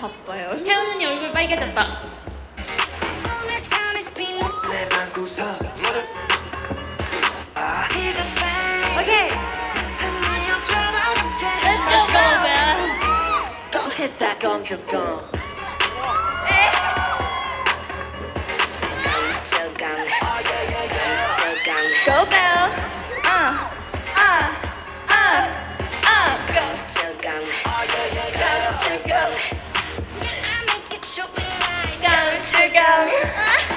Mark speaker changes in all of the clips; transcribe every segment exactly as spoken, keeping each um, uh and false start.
Speaker 1: 바빠요.
Speaker 2: 태연 언니 얼굴 빨개졌다.
Speaker 1: 오케이.
Speaker 2: Let's go, Belle.
Speaker 3: Go hit that gong gong gong. 저강 저강
Speaker 1: Go Belle. 아, 아, 아, 아. Go.
Speaker 3: 저강 저강
Speaker 1: Go, go.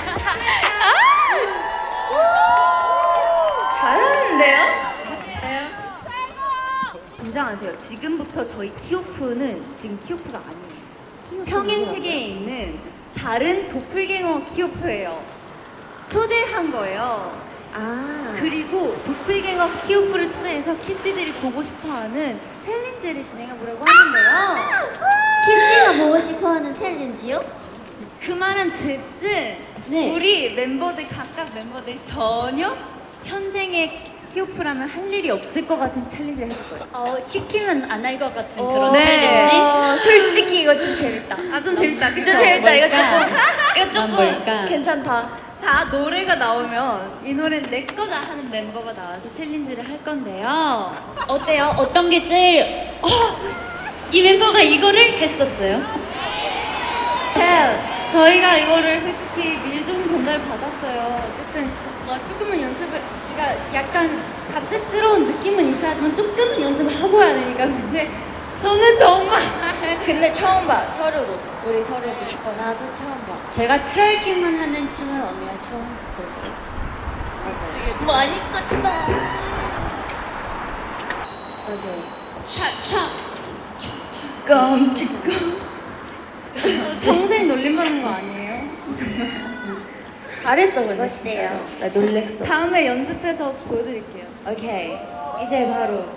Speaker 1: 잘하는데요?
Speaker 4: 네. 긴장하세요. 지금부터 저희 키오프는 지금 키오프가 아니에요. 평행 세계에 있는 다른 도플갱어 키오프예요. 초대한 거예요.
Speaker 1: 아.
Speaker 4: 그리고 도플갱어 키오프를 초대해서 키스들이 보고 싶어하는 챌린지를 진행해보려고 하는데요.
Speaker 1: 키씨가 보고 싶어하는 챌린지요?
Speaker 4: 그 말은 즉슨
Speaker 1: 네.
Speaker 4: 우리 멤버들 각각 멤버들 전혀 현생의 키오프라면 할 일이 없을 것 같은 챌린지를 해볼 거예요.
Speaker 2: 어, 시키면 안 할 것 같은
Speaker 1: 어,
Speaker 2: 그런
Speaker 4: 네.
Speaker 2: 챌린지.
Speaker 1: 어, 솔직히 이거 좀 재밌다.
Speaker 4: 아 좀 재밌다. 그쵸?
Speaker 1: 좀 재밌다. 이거
Speaker 2: 뭘까?
Speaker 1: 조금 이거
Speaker 2: 난
Speaker 1: 조금
Speaker 2: 뭘까?
Speaker 1: 괜찮다.
Speaker 4: 자, 노래가 나오면 이 노래는 내 거다 하는 멤버가 나와서 챌린지를 할 건데요.
Speaker 2: 어때요? 어떤 게 제일 어, 이 멤버가 이거를 했었어요?
Speaker 4: 네, 저희가 이거를 솔직히 미리 좀 전달 받았어요. 어쨌든 뭐 조금은 연습을, 그러니까 약간 갑작스러운 느낌은 있어 하지만 조금은 연습을 하고 해야 되니까. 근데 저는 정말
Speaker 1: 근데 처음 봐. 서로도. 우리 서로도. 어, 나도 처음 봐.
Speaker 2: 제가 트월킹만 하는 춤은 언니가 처음 볼게요.
Speaker 1: 뭐 많이 껐다.
Speaker 4: 맞아요.
Speaker 2: 차차.
Speaker 4: 깜찍깜. 평생 놀림받는 거 아니에요?
Speaker 1: 잘했어 근데 진짜로. 나 놀랬어.
Speaker 4: 다음에 연습해서 보여드릴게요.
Speaker 1: 오케이. 이제 바로